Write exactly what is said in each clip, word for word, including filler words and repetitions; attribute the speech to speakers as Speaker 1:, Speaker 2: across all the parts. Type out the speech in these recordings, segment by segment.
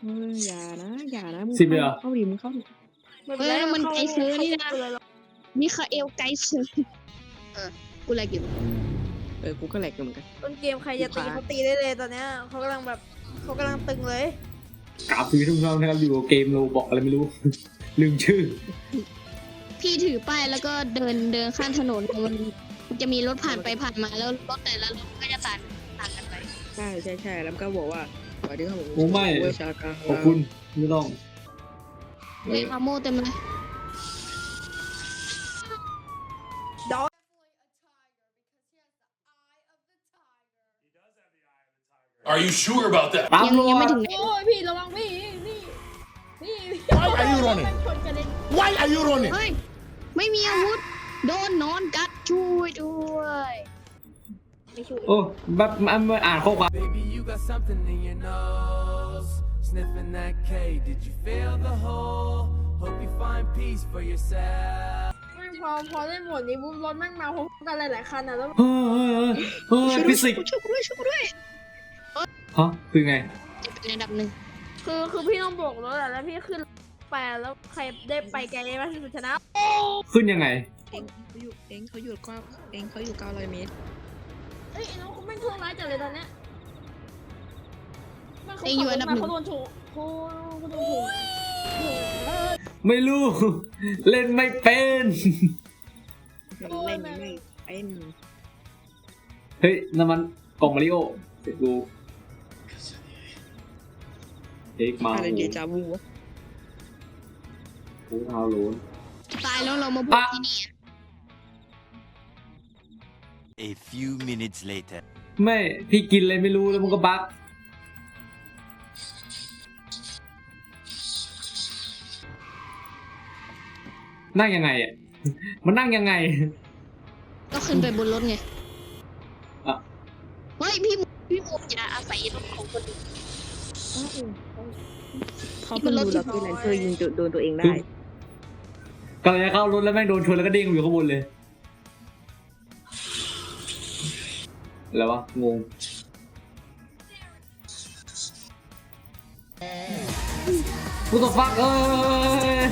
Speaker 1: เอออย่านะอย่านะมึง
Speaker 2: สิบเลยเหรอ
Speaker 1: เข้าดิมึงเข้าดิ
Speaker 3: เออมันไกลเซอร์นี่นะมิคาเอลไกเซอร์เออกูแลกอยู่
Speaker 1: เออกูก็แหลกอยู่เหมือนกัน
Speaker 4: ต้นเกมใครจะตีเขาตีได้เลยตอนเนี้ยเขากำลังแบบเขากำลังตึงเลย
Speaker 2: กราบซื้อทุกท่านนะครับอยู่กับเกมโลบอกอะไรไม่รู้ ลืมชื่อ
Speaker 3: พี่ถือป้ายแล้วก็เดินเดินข้ามถนนมันจะมีรถผ่านไปผ่านมาแล้วรถแต่ละรถก็จะต่างต่างกันไป
Speaker 1: ใช่ใช่ใช่แล้วก็บอกว่าสวัสดีครับผม
Speaker 2: โอ้ไม่
Speaker 1: เวชาการ
Speaker 2: ขอบคุณไม่ต้อง
Speaker 3: เฮ้ยอาโมเต็มเลย
Speaker 5: Are you sure about that?
Speaker 2: ตาม
Speaker 3: ยัง
Speaker 2: ร
Speaker 3: ยัง
Speaker 2: อ
Speaker 3: ไม่
Speaker 2: ด
Speaker 3: ถึงไหน
Speaker 4: โอ้ยพี่ระวังพี่พี่พี่
Speaker 5: Why are you running?
Speaker 4: ชนกันเลย
Speaker 5: Why are you running?
Speaker 3: เฮ้ยไม่มีอาวุธโดนนอนกัดช่วยด้วย
Speaker 4: ไม่ช่วย
Speaker 2: โอ้แบบมันมันอ่านข้อความ
Speaker 6: Baby, you got something in your nose. Sniffing that K, did you feel the hole? Hope you find peace for yourself.
Speaker 4: ไม่พอพอเล่นหมดนี้ปุ๊บรถแม่งมาพร้อมกันหลายๆคันอ่ะแล้ว
Speaker 2: เฮ้ยเฮ้ยเฮ้ยฟิสิกส์
Speaker 3: ช่วยกูด้วยช่วยกูด้วย
Speaker 2: ฮะคือไง
Speaker 3: จะเป็นอันดับหนึ่ง
Speaker 4: คือคือพี่ต้องโบกรถอะแล้วพี่ขึ้นไปแล้วใครได้ไปไกลมากที่สุดชนะ
Speaker 2: ขึ้นยังไง
Speaker 1: เองเขาอยู่เองเขาอยู่เก้าเองเขาอยู่เก้าร้อยเมตร
Speaker 4: เอ้ยไอ้น้องเขาแม่งเครื่องร้ายจัดเลยตอนเนี้ยแม่งเขา
Speaker 3: เองอยู่อันดับหนึ่ง
Speaker 4: เขาโดนโชว์เขาเขาโดนโชว์
Speaker 2: ไม่รู้ เล่นไม่เป็น
Speaker 1: เล่นไม่เป็น
Speaker 2: เฮ้ยนั่นมันกล่องมาริโอเดี๋ยวดูเอ็กมา
Speaker 1: อะไรเดจาวูวะ
Speaker 2: โอ้เท้าโลน
Speaker 3: ตายแล้วเรามาพูดที่นี่
Speaker 7: A few minutes later.
Speaker 2: ไม่พี่กินเลยไม่รู้แล้วมันก็บั๊กนั่งยังไงอ่ะ มันนั่งยังไง
Speaker 3: ก็ขึ้นไปบนรถไง
Speaker 2: อ่ะ
Speaker 3: เฮ้ยพี่หมูพี่หมูอย่าอาศัยรถของคนอื่น
Speaker 1: เขาเพิ่งดูแล้วพี่แลนเซอร์ยิงโดนตัวเองได้
Speaker 2: กำลังจะเข้ารถแล้วแม่งโดนชนแล้วก็เด้งอยู่ข้างบนเลยแล้ววะงงกูตกฟักเอ้ย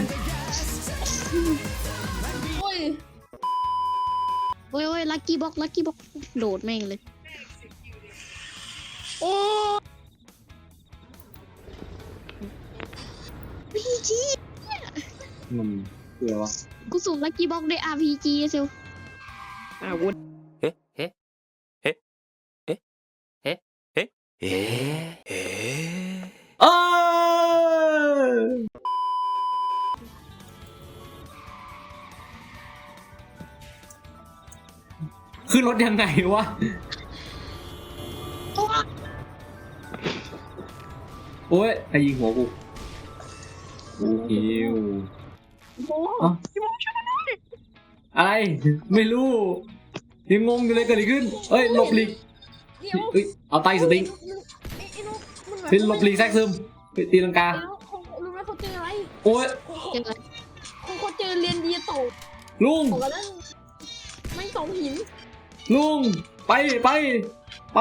Speaker 4: โอ้ย
Speaker 3: โอ้ยโอ้ยลักกี้บ็อกลักกี้บ็อกโดดแม่งเลย
Speaker 4: โอ้
Speaker 3: พีจี
Speaker 2: มันคืออะไรวะ
Speaker 3: กูสุ่มลักกี้บ็อกด้วย อาร์ พี จี เซล
Speaker 1: อาวุธ
Speaker 7: Eh? Eh? Eh? Eh? Eh? Eh? Eh? Eh?
Speaker 2: เอ้ยขึ้นรถยังไงวะ โอ้ยไอ้ยิงหัวกูกูหิว
Speaker 4: โห
Speaker 2: อ่ะอะไร ไม่รู้ ยังงงอยู่เลยเกิดอะไรขึ้นเอ้ยหลบหลีก
Speaker 4: เดี๋ยว
Speaker 2: เอ้ยเอาไตสติง
Speaker 4: ไอ้ไอ้น้องมันแบบ
Speaker 2: เป็นหลบหลีกแทรกซึมไปตีลังกา
Speaker 4: ไอ้น้องเขารู้ไหมเขาเจออะไร
Speaker 2: โอ้ย
Speaker 3: เจออะไร
Speaker 4: เขาเขาเจอเรียนดีโต
Speaker 2: ลุง
Speaker 4: โตกันนั่นไม่สองหิน
Speaker 2: ลุงไปไปไป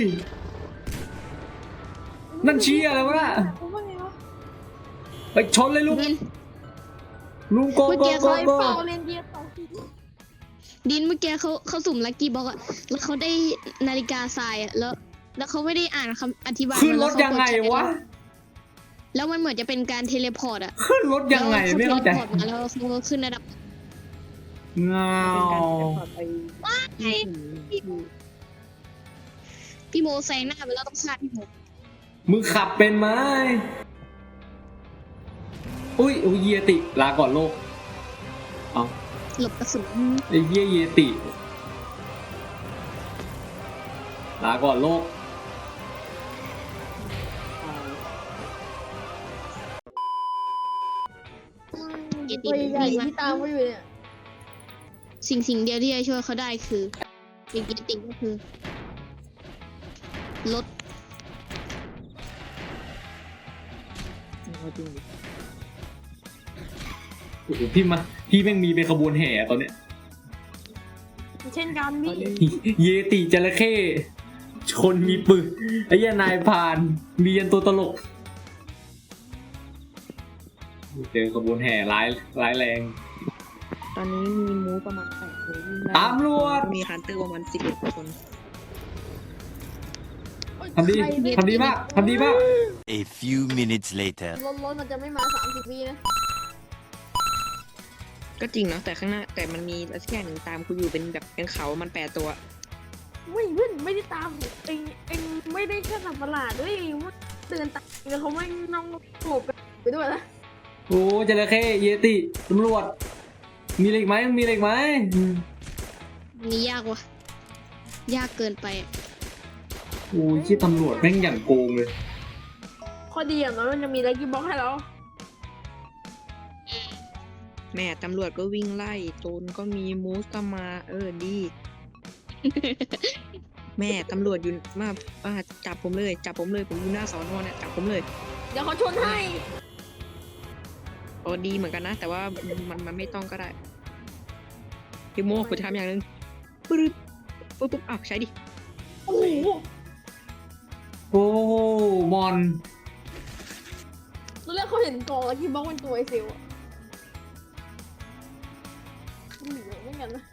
Speaker 2: นั่นเชียร์อะไรวะน่ะ
Speaker 4: ผมว่าไงวะ
Speaker 2: ไปชนเลยลุง
Speaker 3: ดิน
Speaker 2: ลุงโกโกโก
Speaker 4: เคย
Speaker 2: โก
Speaker 4: เป่าเรียนดีสองหิน
Speaker 3: ดินเมื่อกี้เขาเขาสุ่มลักกี้บ็อกอะแล้วเขาได้นาฬิกาทรายอะแล้ว แล้วเขาไม่ได้อ่านคำอธิบาย
Speaker 2: ขึ้นร
Speaker 3: แล้
Speaker 2: ถ
Speaker 3: วเขา
Speaker 2: ยังไง
Speaker 3: กดใช้
Speaker 2: วะ
Speaker 3: แล้วมันเหมือนจะเป็นการเทเลพอร์ตอะ
Speaker 2: ขึ้นรถยังไงไม่เข้าใจ
Speaker 3: แล้วเขาเทเลพอร์ตมาแล้วเขาก็ขึ้นระดับ
Speaker 2: เงา
Speaker 1: เป็นการจะพาไป
Speaker 3: ไงพี่โมแซงหน้าไปแล้วต้องฆ่าพี่โม
Speaker 2: มึงขับเป็นไหมอุ้ยอุ้ยเยติลาก่อนโลกเอา
Speaker 3: หลบกระสุน
Speaker 2: ไอ้เยี่ยเยติลาก่อนโลก
Speaker 3: เยติ
Speaker 4: ตัวใหญ่
Speaker 3: วิ่ง
Speaker 4: ๆ
Speaker 3: มา
Speaker 4: ที่ตามเขาอยู่เนี่ย
Speaker 3: สิ่งสิ่งเดียวที่จะช่วยเขาได้คือเยติก็คือรถ
Speaker 1: เอาจริงดิ
Speaker 2: โอ้โหพี่มาพี่แม่งมีเป็นขบวนแห่ตอนเนี้ย
Speaker 4: เช่นกันพี่
Speaker 2: เยติจระเข้ชนมีปืนไอ้เหี้ยนายพรานมียันตัวตลกเจอขบวนแห่ร้ายร้ายแรง
Speaker 1: ตอนนี้มีมูประมาณแปดคน
Speaker 2: ตำรวจ
Speaker 1: มีฮันเตอร์ประมาณสิบเอ็ดคน
Speaker 2: ทำดีทำดีมากทำดีมาก
Speaker 7: A few minutes later.
Speaker 4: รถรถมันจะไม่มาสามสิบวินะ
Speaker 1: ก็จริงเนาะแต่ข้างหน้าแต่มันมีอะไรสักอย่างหนึ่งตามกูอยู่เป็นแบบเป็นเขามันแปดตัว
Speaker 4: ไม่เพื่อนไม่ได้ตามเองเองไม่ได้แค่สับประหลาดด้วยว่าเตือนตามแล้วเขาไม่น้องโผล่ไปด้วยนะ
Speaker 2: โอ้จระเข้เยติตำรวจ มีอะไรอีกไหมมีอะไรอีกไหม
Speaker 3: นี่ยากวะยากเกินไปอะ
Speaker 2: โอ้ยที่ตำรวจแม่งอย่างโกงเลย
Speaker 4: ข้อดีอย่างน้อยมันจะมีลักกี้บ็อกให้เรา
Speaker 1: แม่ตำรวจก็วิ่งไล่โจรก็มีมูสก็มา เออดี แม่ตำรวจอยู่มามาจับผมเลย จับผมเลยผมอยู่หน้าสอนอเนี่ยจับผมเลย
Speaker 4: เดี๋ยวเขาชนให้
Speaker 1: โอ้ดีเหมือนกันนะ แต่ว่ามันมันไม่ต้องก็ได้พี่โมคุณจะทำอย่างหนึงปึ๊บปึ๊บปึ๊บอ้าวใช้ดิ
Speaker 4: โอ้โห
Speaker 2: โอ้มอน
Speaker 4: ตอนแรกเขาเห็นกองลักกี้บ็อกเป็นตัวไอเซลอะมันหนีเหมือนกันนะ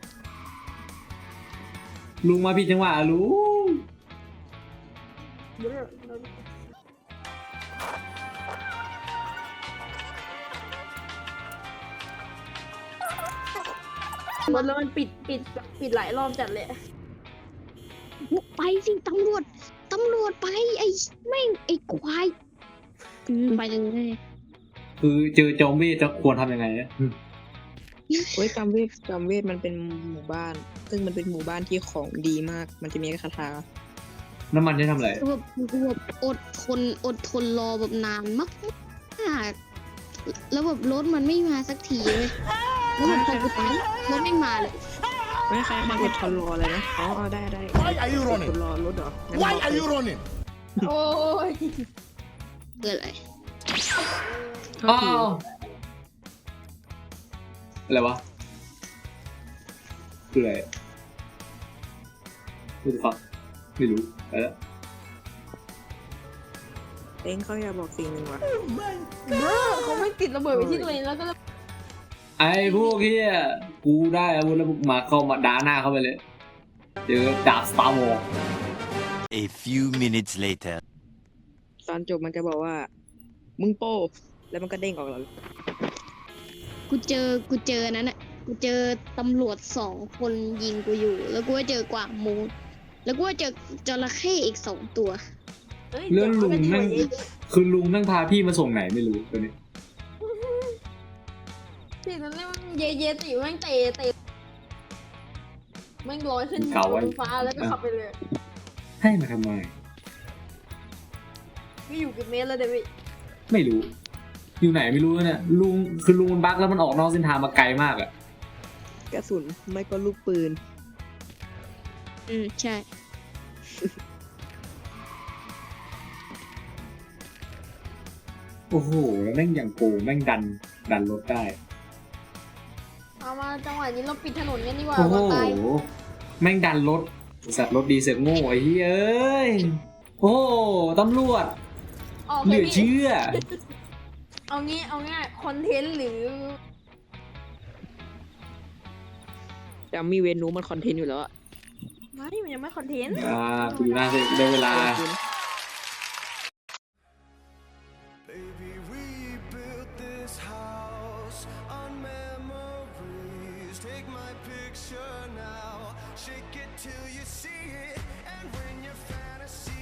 Speaker 2: ลุงมาผิดจังหวะลุง
Speaker 4: เดี๋ยวเรา รถแล้วมันปิดปิดปิดหลายรอบจัดเลย
Speaker 3: ไปสิตำรวจตำรวจไปไอ้แม่งไอ้ควายอืมไปเลย
Speaker 2: คือเจอจอมเวทจะควรทำยังไงอะ
Speaker 1: โอ้ยจำเวทจำเวทมันเป็นหมู่บ้าน ซึ่งมันเป็นหมู่บ้านที่ของดีมาก มันจะมีคาถา
Speaker 2: น้ำมันจะทำอะไร
Speaker 3: คือแบบคือแบบอดทนอดทนรอแบบนานมากแล้วแบบรถมันไม่มาสักทีเลยแล้วแบบพอกูไปรถไม่มาเลย
Speaker 1: ไม่ใครมาอดทนรอเลยนะ อ๋อเอาได้ได้
Speaker 5: Why are you
Speaker 1: อด
Speaker 5: running?
Speaker 1: ทนรอรถเหรองั้น
Speaker 5: Why
Speaker 1: บอก
Speaker 5: are
Speaker 1: เลย
Speaker 5: you running?
Speaker 4: โอ้ย
Speaker 3: เกิดอะไร
Speaker 2: อ้าวอะไรวะคืออะไรคือฟังไม่รู้ไปแล้ว
Speaker 1: เองเขาอยากบอกสิ่งหนึ่งว่ะ
Speaker 4: เบ้อเขาไม่ติดระเบิดไปที่ตัวเองแล้วก็
Speaker 2: ไอ้พวกเฮียกูได้อาวุธแล้วพวกมาเข้ามาด่าหน้าเข้าไปเลย เจอดาบสตาร์วอร์
Speaker 7: A few minutes later.
Speaker 1: ตอนจบมันจะบอกว่า มึงโป้แล้วมันก็เด้งออกแล้ว
Speaker 3: กูเจอกูเจอนั้นอ่ะกูเจอตำรวจสองคนยิงกูอยู่ แล้วกูก็เจอกวางมูดแล้วกูก็เจอจระเข้อีกสองตัว
Speaker 4: ฮ้ย
Speaker 2: เรื่องลุง
Speaker 4: ดี๋ยว
Speaker 2: นั่ง
Speaker 4: มันก็ดีกว่า
Speaker 2: คือลุงนั่งพาพี่มาส่งไหนไม่รู้ตัวนี้
Speaker 4: ที่นั่นเรียกว่าเยเยติแม่งเตะเตะแม่งลอยขึ้นบนฟ้าแล้วก็ขับไปเลย
Speaker 2: ให้มาทำไม
Speaker 4: ก็อยู่กี่เมตรแล้วเดวิด
Speaker 2: ไม่รู้ อยู่ไหนไม่รู้เนี่ยลุงคือลุงมันบั๊กแล้วมันออกนอกเส้นทางมาไกลมากอะ
Speaker 1: กระสุนไม่ก็ลูกปืน
Speaker 3: อืมใช่
Speaker 2: โอ้โหแล้วแม่งอย่างโกงแม่งดันดันรถได้
Speaker 4: เอามาจังหวะนี้เราปิดถนนกันดีกว่า
Speaker 2: โอ้โห
Speaker 4: ว่าตาย
Speaker 2: แม่งดันรถสัตว์รถดีเสือกโง่ไอ้เหี้ยเอ้ยโอ้โหตำรวจ
Speaker 4: ออก
Speaker 2: เห
Speaker 4: เล
Speaker 2: ลื
Speaker 4: ย
Speaker 2: อ
Speaker 4: พี่
Speaker 2: เชื่อ
Speaker 4: เอางี้เอาง่ายคอนเทนต์หรือ
Speaker 1: แต่มีเวนูมันคอนเทนต์อยู่แล้วอะ
Speaker 4: ไม่มันยังไม่คอนเทนต์
Speaker 2: อ่าคุณดูหน้าเสร็จได้เวลา
Speaker 6: Baby, we built this house on memories. Take my picture now, shake it till you see it. And when your fantasy